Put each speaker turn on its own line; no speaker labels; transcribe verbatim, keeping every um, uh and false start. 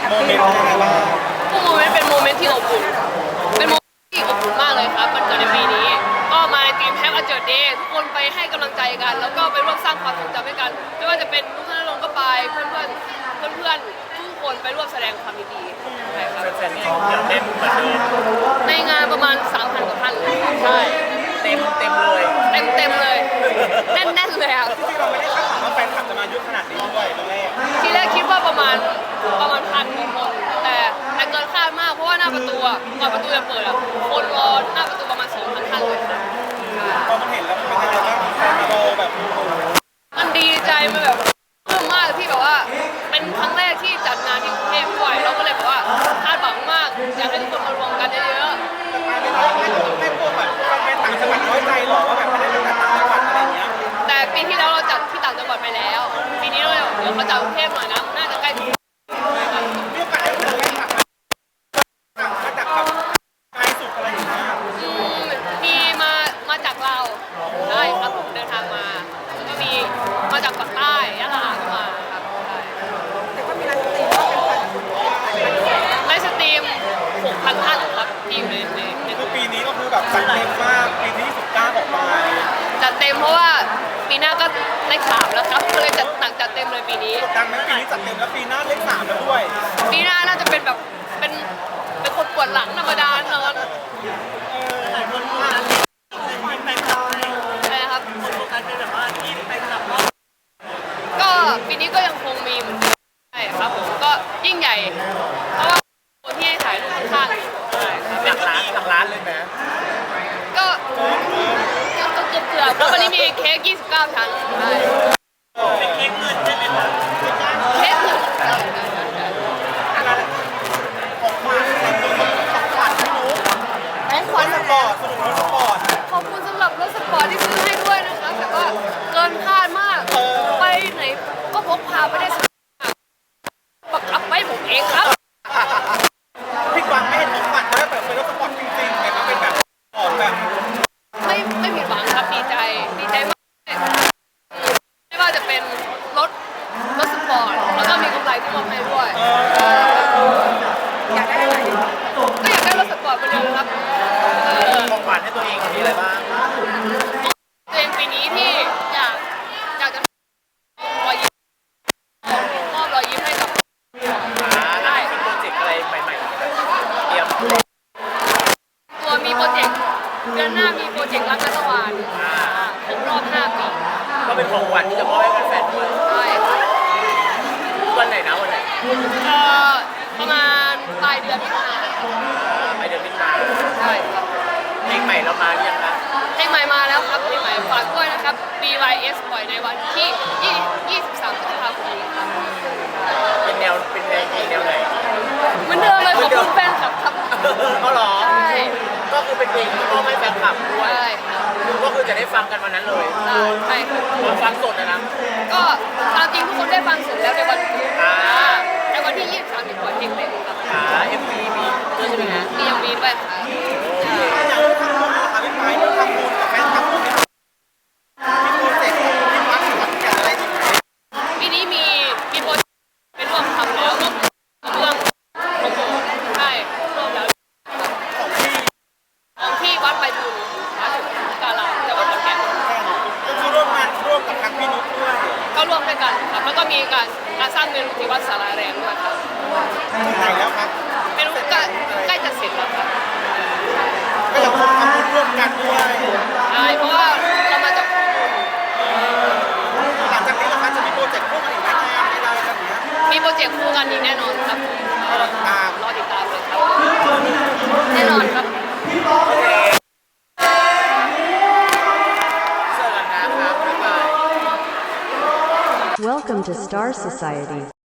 โมเมนต์ยังไงบ้าง
โมเมนต์เป็นโมเมนต์ที่อบอุ่นเป็นโมเมนต์ที่อบอุ่นมากเลยครับมันเกิดในปีนี้ก็มาในทีมแฮปปี้เจิร์ดเดย์ทุกคนไปให้กำลังใจกันแล้วก็ไปร่วมสร้างความทรงจำให้กันไม่ว่าจะเป็นลูกค้าลงก็ไปเพื่อนเพื่อนเพื่อนเพื่อนทุกคนไปร่วมแสดงความยินดีใช่ครับ
แฟนๆนี่ยังเต็มเหมือนเดิม
ในงานประมาณ สามพัน กว่าท่านใช่
เต็มเต็มเลย
เต็มเต็มเลยแน่นแน่นเลยอ่ะ
ที่เราไม่ได้คาดหวังว่าแฟนคลับจะมาเยอะขนาดนี้ด้วยตอนแรก
ทีแรกคิดว่าประมาณประมาณพันคนแต่แต่เกินคาดมากเพราะว่าหน้าประตูอ่ะก่อนประตูจะเปิดอ่ะคนรอหน้าประตูประมาณ สองพัน ท่านเลยครับ
พอมันเห็นแล้วมันเป็นยังไงบ้างแฟนมารอแบบ
มันดีใจมันแบบเพิ่มมากที่แบบว่าเป็นครั้งแรกที่จัดงานที่กรุงเทพด้วยเราก็เลยแบบว่าคาดหวังมากอยากให้ทุกคนมารวมกันเยอะ
ๆแต่ไม่ได้ไม่ไม่พวกแบบแฟนต่างจังหวัดน้อยใจหรอว่าแบบไม่ได้เป็นต่างจังหวัดอะไรเงี้ย
แต่ปีที่แล้วเราจัดที่ต่างจังหวัดไปแล้วปีนี้เราเดี๋ยวเขาจัดกรุงเทพหน่อยนะน่าจะใกล้ถึง
มีโอกาสได้เจอแฟนคลับมามาจากแบบไกลสุดอะไรอย่างเงี้ย
มีมามาจากเราได้ครับผมเดินทางมาแล้วก็มีมาจากฝั่งใต้ยะลาก็มาครับแต่ก็มีไลฟ์สตรีมไลฟ์สตรีม หกพัน ท่านครับที่อยู่ในใน
คือปีนี้ก็คือแบบจัดเต็มมากปีที่สิบเก้าออกมา
จัดเต็มเพราะว่าปีหน้าก็เลขสามแล้วครับก็เลยจัดหนักจัดเต็มเลยปีนี้
กดดันไหมปีนี้จัดเต็มแล้วปีหน้าเลขสามแล้วด้วย
ปีหน้าน่าจะเป็นแบบเป็นเป็นคนปวดหลังธรรมดานอน
หลายคนมาไปทำอะไร
นะครับ
คนโฟกัสเป็นแบบว่าที่ไปทำ
ก็ปีนี้ก็ยังคงมีเหมือนใช่ครับผมก็ยิ่งใหญ่เพราะว่าคนที่ให้ถ่ายรูปข้างๆใช่ครับ
หลักล้านหลักล้านเลยไหม
ก็ก็เกือบเกือบแล้ววันนี้มีเค้กยี่สิบเก้าชั้นใช่
เป็นเค้กเงินใช่ไหมคะ
เค้กเงิน
ของขวัญของขวัญไม่รู้ของขวัญสปอร์ตสนุกรถสปอร์ต
ขอบคุณสำหรับรถสปอร์ตที่ซื้อให้ด้วยนะคะแต่ก็เกินคาดมากไปไหนก็พกพาไปได้สนุกบังคับไปผมเองครับ
พี่กวางไม่เห็นของขวัญเลยแบบเป็นรถสปอร์ตจริงๆแต่ก็เป็นแบบออกแบบ
ไม่ไม่ผิดหวังครับดีใจดีใจมากไม่ว่าจะเป็นรถรถสปอร์ตแล้วก็มีกำไรที่มอบให้ด้วยอยากได้อะไรก็อยากได้รถสปอร์ตไปเลยครับ
ของขวัญให้ตัวเองมีอะไรบ้าง
ตัวเองปีนี้ที่อยากอยากจะรอยยิ้มมอบรอยยิ้มให้กับ
ได้มีโปรเจกต์อะไรใหม่ๆเตรียม
ตัวมีโปรเจกต์เดือนหน้ามีโปรเจกต์รักนัตวานครบรอบห้าปี
ก็เป็นของขวัญที่จะมอบให้แฟนๆด้วย
ใช่
วันไหนนะวันไหน
เอ่อประมาณปลายเดือนมิถุนายน
ปลายเดือนมิถุนายน
ใช่ครับ
เพลงใหม่เรามาหรือยังคะ
เพลงใหม่มาแล้วครับเพลงใหม่ฝากด้วยนะครับ บี วาย เอส ปล่อยในวันที่ยี่สิบสามพฤษภาคมนี้ครับ
เป็นแนวเป็นแนวเพลงแนวไหน
เหมือนเดิมเลยขอบคุณแฟนคลับครับ
เขาหรอ
ใช่
ก็คือเป็นเพลงที่มอบให้แฟนคลับด้วย
ใช่
ก็คือจะได้ฟังกันวันนั้นเลย
ใช่ครับ
ฟังสดนะนะ
ก็ตามจริงทุกคนได้ฟังสดแล้วในวันในวันที่ยี่สิบสามมีปล่อยเพลงเต็มครับ
อ่า เอ็ม วี มีด้วยใช่ไหมฮะ
มียังมีด้วยค่ะ
อยากทำบุญนะคะพี่ไปทำบุญกับแฟนคลับมีโปรเจกต์ที่วัดขอนแก่นอะไรอีกไหม
ปีนี้มีมีโปรเจกต์เป็นร่วมทำแล้วร่วมเรื่องของผมใช่ร่วมแล้ว
ของที่
ของที่วัดไปบุญวัดกาลาจังหวัดขอนแก่น
ก็คือร่วมงานร่วมกับทางพี่นุ๊กด้วย
ก็ร่วมด้วยกันครับแล้วก็มีการการสร้างเมนูที่วัดสาราแรงด้วยครับ
ถึงไหนแล้วครับ
เมนูใกล้ใกล้จะเสร็จแล้วครับ
ก็จะทำบุญร่วมกันด้วย
ใช่เพราะว่าเรามาจาก
หลังจากนี้เราจะมีโปรเจกต์ร่วมกันอีกไหมงานอะไรแบบนี้
มีโปรเจกต์คู่กันอีกแน่นอนครับ
รอติดตาม
รอติดตามเลยครับแน่นอนครับ
เจอกันนะครับบ๊ายบาย
Welcome to Star Society